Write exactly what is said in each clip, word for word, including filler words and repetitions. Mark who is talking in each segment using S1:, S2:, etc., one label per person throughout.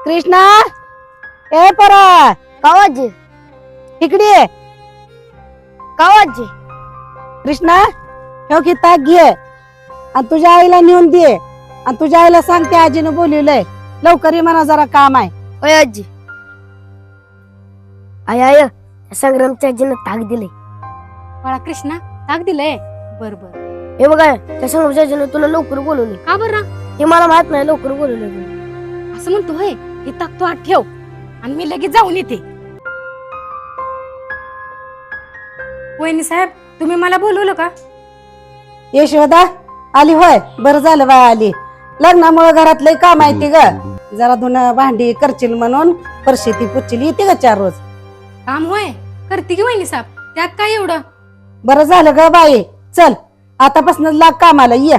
S1: कृष्णा ए परा
S2: कावाजी
S1: इकडे ये.
S2: कावाजी
S1: कृष्णा ठेव की ताक घे आणि तुझ्या आईला नेऊन दे आणि तुझ्या आईला सांगते आजीने बोलवलंय लवकर ये म्हणा जरा काम आहे.
S2: होय आजी. आय आय संग्रामच्या आजीनं ताक दिले.
S3: बाळा कृष्णा ताक दिलंय. बर बर.
S2: हे बघा त्या संग्रामच्या आजीनं तुला लवकर बोलवले.
S3: का बरं?
S2: ते मला माहित नाही लवकर बोलवले.
S3: असं म्हणतो होय. हे ताक तू आत ठेव आणि मी लगेच जाऊन येते. वहिनी साहेब तुम्ही मला बोलवलं का?
S1: यशोदा आली होय. बरं झालं बाय आली. लग्नामुळे घरातलं काम आहे ती ग. जरा धुणं भांडी करशील म्हणून परशी पुच्छिली येते ग चार रोज.
S3: काम होय करते की वहिनी साहेब. त्यात काय एवढं?
S1: बरं झालं ग बाई. चल आतापासून लाग कामाला ये.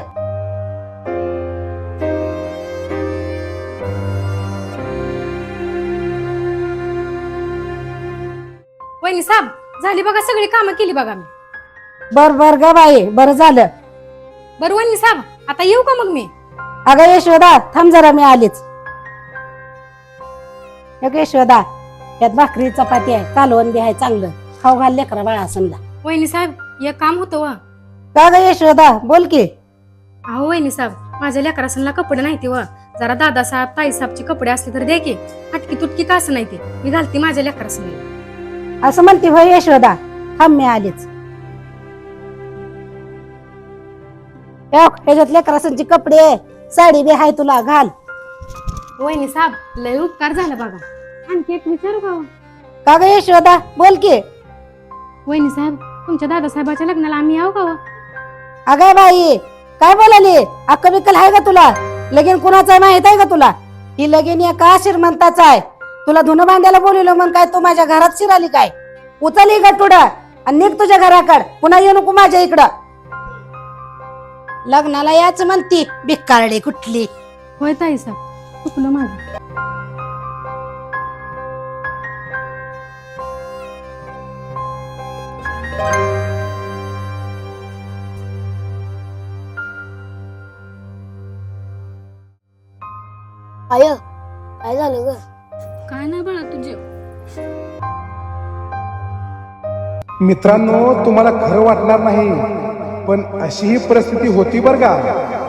S3: वहिनी साहेब झाली बघा सगळी कामं केली बघा मी.
S1: बर बर ग बाई बरं झालं.
S3: बरं वहिनी साहेब आता येऊ का मग मी?
S1: अगं यशोदा थांब जरा मी आलीच. अगं यशोदा यात भाकरी चपाती आहे कालवण बी आहे चांगलं खाऊ घाल लेकरा बाळा समजा.
S3: वहिनी साहेब एक काम होतं व.
S1: का ग यशोदा बोल की.
S3: अहो वहिनी साहेब माझ्या लेकरासनला कपडे नाही ते व. जरा दादासाहेब ताईसाहेबचे कपडे असले तर दे की. हटकी तुटकी का असं नाही ते मी घालते माझ्या लेकरासनला.
S1: असं म्हणते होय यशोदा थांब मी आलीच. ह्याच्यात लेकरासांची कपडे साडी बी आहे तुला घाल.
S3: वहिनी साहेब लय उपकार झाला बघा. आणखी एक विचारू का?
S1: का ग यशोदा बोल की.
S3: वहिनी साहेब तुमच्या दादासाहेबाच्या लग्नाला आम्ही यावं का?
S1: अगं बाई काय बोलाली अक्क बिक्कल आहे का तुला? लगीन कुणाचं माहित आहे का तुला? ही लगीन एका श्रीमंताचा आहे. तुला धुणं भांड्याला बोलवलं मग काय तू माझ्या घरात शिराली काय? उचली गटुडा आणि निघ तुझ्या घराकड. पुन्हा येऊ नको माझ्या इकडं. लग्नाला याच म्हणती बिक्कारडे कुठली.
S3: होय ताई साहेब चुकलं माझं.
S2: आय काय झालं ग?
S3: काय नाही बाळा तुझे.
S4: मित्रांनो तुम्हाला खरं वाटणार नाही पण अशी ही परिस्थिती होती बरं का.